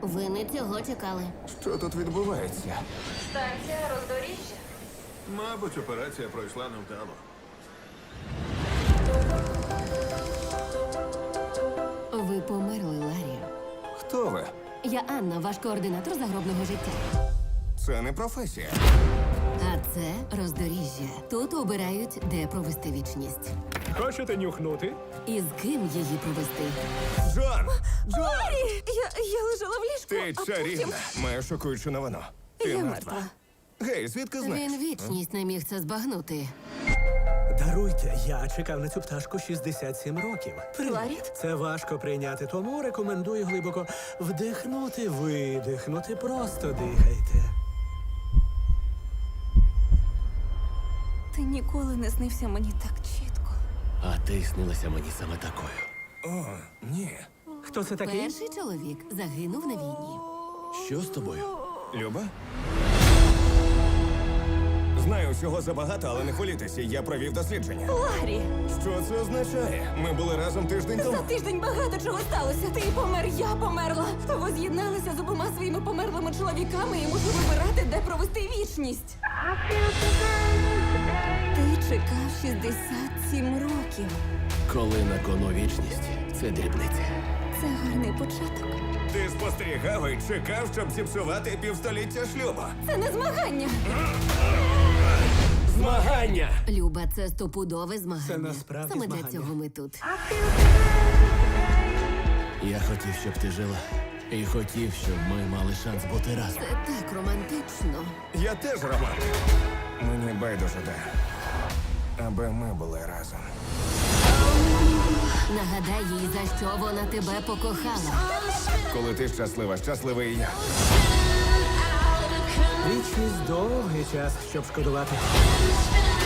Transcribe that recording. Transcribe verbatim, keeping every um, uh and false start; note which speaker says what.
Speaker 1: Ви не цього чекали.
Speaker 2: Що тут відбувається?
Speaker 3: Станція роздоріжжя.
Speaker 4: Мабуть, операція пройшла невдало.
Speaker 1: Ви померли, Ларі.
Speaker 2: Хто ви?
Speaker 1: Я Анна, ваш координатор загробного життя.
Speaker 2: Це не професія.
Speaker 1: А це роздоріжжя. Тут обирають, де провести вічність.
Speaker 5: Хочете нюхнути?
Speaker 1: І з ким її провести.
Speaker 2: Джон! Джон!
Speaker 3: Я, я лежала в ліжку,
Speaker 2: Ти
Speaker 3: а
Speaker 2: чарівна. Маю шокуючу новину. Ти
Speaker 3: Я
Speaker 2: мертва.
Speaker 3: мертва.
Speaker 2: Гей, звідки знаєш?
Speaker 1: Він вічність не міг це збагнути.
Speaker 5: Даруйте, я чекав на цю пташку шістдесят сім років. Привіт.
Speaker 3: Ларі?
Speaker 5: Це важко прийняти, тому рекомендую глибоко вдихнути, видихнути, просто дихайте.
Speaker 3: Ти ніколи не снився мені так чітко.
Speaker 6: А ти снилася мені саме такою.
Speaker 2: О, ні.
Speaker 5: Хто це такий?
Speaker 1: Перший чоловік загинув на війні.
Speaker 6: Що з тобою?
Speaker 2: Люба? Знаю всього забагато, але не хвилюйтеся, я провів дослідження.
Speaker 3: Ларі,
Speaker 2: Що це означає? Ми були разом тиждень
Speaker 3: за
Speaker 2: тому.
Speaker 3: тиждень багато чого сталося. Ти помер, я померла. Ви з'єдналися з обома своїми померлими чоловіками і мушу вибирати, де провести вічність. Ти чекав шістдесят сім років.
Speaker 6: Коли на кону вічність, це дрібниця.
Speaker 3: Це гарний початок.
Speaker 2: Ти спостерігав і чекав, щоб зіпсувати півстоліття шлюбу.
Speaker 3: Це не змагання.
Speaker 6: Змагання!
Speaker 1: Люба, це стопудове змагання.
Speaker 5: Це насправді
Speaker 1: Саме
Speaker 5: змагання.
Speaker 1: для цього ми тут.
Speaker 6: Я хотів, щоб ти жила. І хотів, щоб ми мали шанс бути разом.
Speaker 1: Це так романтично.
Speaker 2: Я теж романтик. Мені байдуже де. Аби ми були разом.
Speaker 1: Нагадай їй, за що вона тебе покохала.
Speaker 2: Коли ти щаслива, щасливий і я.
Speaker 5: Вічність довгий час, щоб шкодувати.